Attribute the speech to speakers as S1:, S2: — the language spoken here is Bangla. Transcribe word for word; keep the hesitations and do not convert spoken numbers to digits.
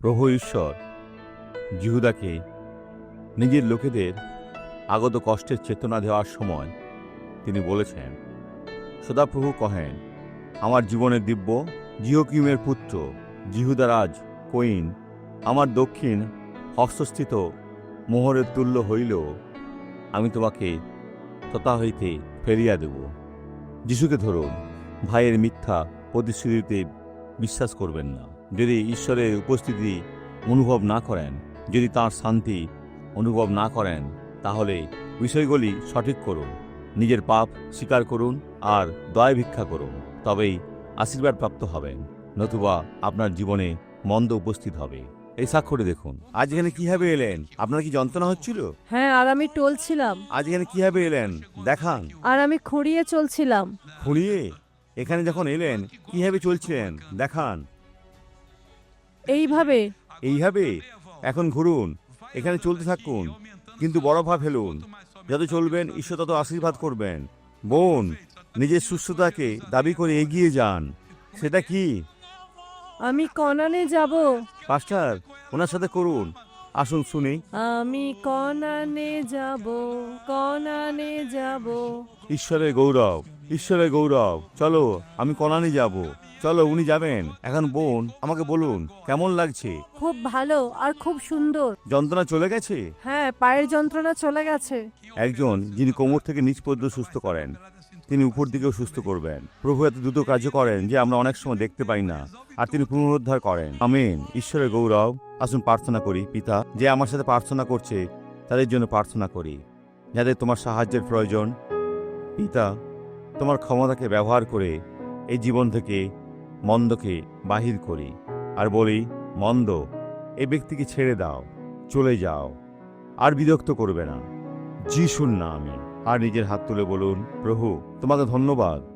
S1: প্রভু ঈশ্বর জিহুদাকে নিজের লোকেদের আগত কষ্টের চেতনা দেওয়ার সময় তিনি বলেছেন, সদাপ্রভু কহেন, আমার জীবনের দিব্য জিহোকিমের পুত্র জিহুদারাজ কইন আমার দক্ষিণ হস্তস্থিত মোহরের তুল্য হইলেও আমি তোমাকে তথা হইতে ফেরিয়া দেব। যিশুকে ধরুন, ভাইয়ের মিথ্যা প্রতিশ্রুতিতে বিশ্বাস করবেন না। যদি ঈশ্বরের উপস্থিতি অনুভব না করেন, যদি তাঁর শান্তি অনুভব না করেন, তাহলে বিষয়গুলি সঠিক করুন, নিজের পাপ স্বীকার করুন আর দয়া ভিক্ষা করুন, তবেই আশীর্বাদ প্রাপ্ত হবেন, নতুবা আপনার জীবনে মন্দ উপস্থিত হবে। এই স্বাক্ষরে দেখুন, আজ এখানে কিভাবে এলেন? আপনার কি যন্ত্রণা হচ্ছিল?
S2: হ্যাঁ, আর আমি টলছিলাম,
S1: আজ এখানে কিভাবে এলেন দেখান।
S2: আর আমি খুঁড়িয়ে চলছিলাম।
S1: খুঁড়িয়ে এখানে যখন এলেন কিভাবে চলছিলেন দেখান।
S2: এইভাবে।
S1: এইভাবে এখন ঘুরুন, এখানে চলতে থাকুন, কিন্তু বড় ভাব ফেলুন। যত চলবেন ঈশ্বর তত আশীর্বাদ করবেন। বোন, নিজের সুস্থতাকে দাবি করে এগিয়ে যান। সেটা কি?
S2: আমি কনানে যাব।
S1: পাস্টার, ওনার সাথে করুন, আসুন শুনি।
S2: আমি কনানে যাব, কনানে যাব।
S1: ঈশ্বরের গৌরব, ঈশ্বরের গৌরব। চলো, আমি কনানি যাব। চলো, উনি যাবেন। এখন বোন, আমাকে বলুন কেমন লাগছে?
S2: খুব ভালো আর খুব সুন্দর।
S1: যন্ত্রণা চলে গেছে?
S2: হ্যাঁ, পায়ের যন্ত্রণা চলে গেছে।
S1: একজন যিনি কোমর থেকে নিচ পর্যন্ত সুস্থ করেন, তিনি উপর দিকেও সুস্থ করবেন। প্রভু এত দ্রুত কার্য করেন যে আমরা অনেক সময় দেখতে পাই না, আর তিনি পুনরুদ্ধার করেন। আমেন। ঈশ্বরের গৌরব। আসুন প্রার্থনা করি। পিতা, যে আমার সাথে প্রার্থনা করছে তাদের জন্য প্রার্থনা করি, যাদের তোমার সাহায্যের প্রয়োজন। পিতা, তোমার ক্ষমতাকে ব্যবহার করে এই জীবন থেকে মন্দকে বাহির করি, আর বলি, মন্দ, এই ব্যক্তিকে ছেড়ে দাও, চলে যাও, আর বিরক্ত করবে না। যিশুর নামে। আর নিজের হাত তুলে বলুন, প্রভু তোমাকে ধন্যবাদ